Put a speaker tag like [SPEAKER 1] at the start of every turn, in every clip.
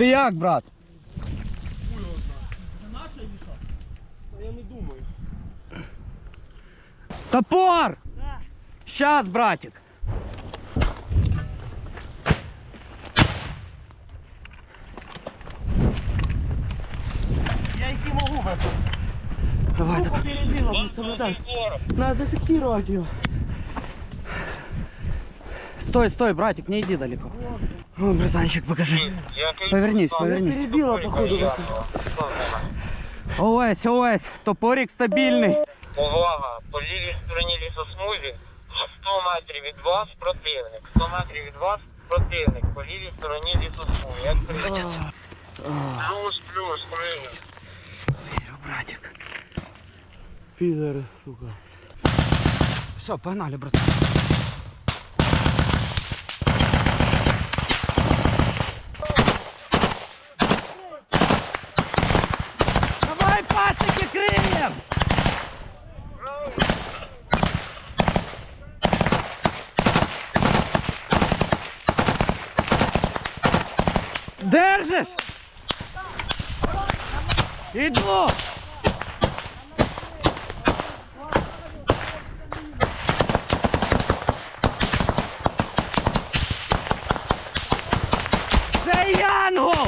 [SPEAKER 1] Ти як, брат?
[SPEAKER 2] Я не думаю.
[SPEAKER 1] Топор! Щас, братик.
[SPEAKER 2] Я які можу випити.
[SPEAKER 1] Давай, давай.
[SPEAKER 2] Перебила, комендант. Надо зафиксировать ее.
[SPEAKER 1] Стой, стой, братик, не иди далеко. О, братанчик, покажи. Повернись, повернись.
[SPEAKER 2] Перебила, походу.
[SPEAKER 1] Ось, ось, топорик стабільний.
[SPEAKER 3] Увага! По лівій стороні лісосмузі 100 метрів від вас противник. 100 метрів від вас противник. По лівій стороні лісосмузі. Як прийняти? Плюс, прийняти.
[SPEAKER 1] Вірю, братик.
[SPEAKER 2] Пидоры, сука.
[SPEAKER 1] Все, погнали, братан. Давай, пацики, крыльям! Держиш? Иду! Це Янгол!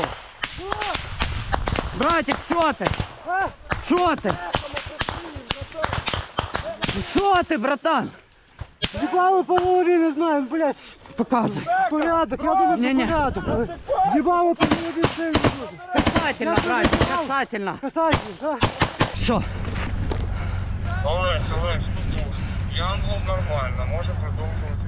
[SPEAKER 1] Братик, що ти? Що ти? Що ти, братан?
[SPEAKER 2] Ебало по голове, не знаю, блядь.
[SPEAKER 1] Показуй.
[SPEAKER 2] Порядок, я думаю,
[SPEAKER 1] Не-не.
[SPEAKER 2] что порядок. Ебало по голове, все не буду.
[SPEAKER 1] Касательно, братик, касательно.
[SPEAKER 2] Касательно, да?
[SPEAKER 1] Що?
[SPEAKER 3] Олесь, тут Янгол нормально, може продовжувати.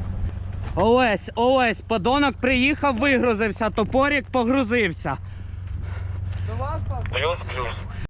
[SPEAKER 1] Ось, подонок приїхав, вигрузився, топорик погрузився.
[SPEAKER 2] До вас,
[SPEAKER 3] Плюс.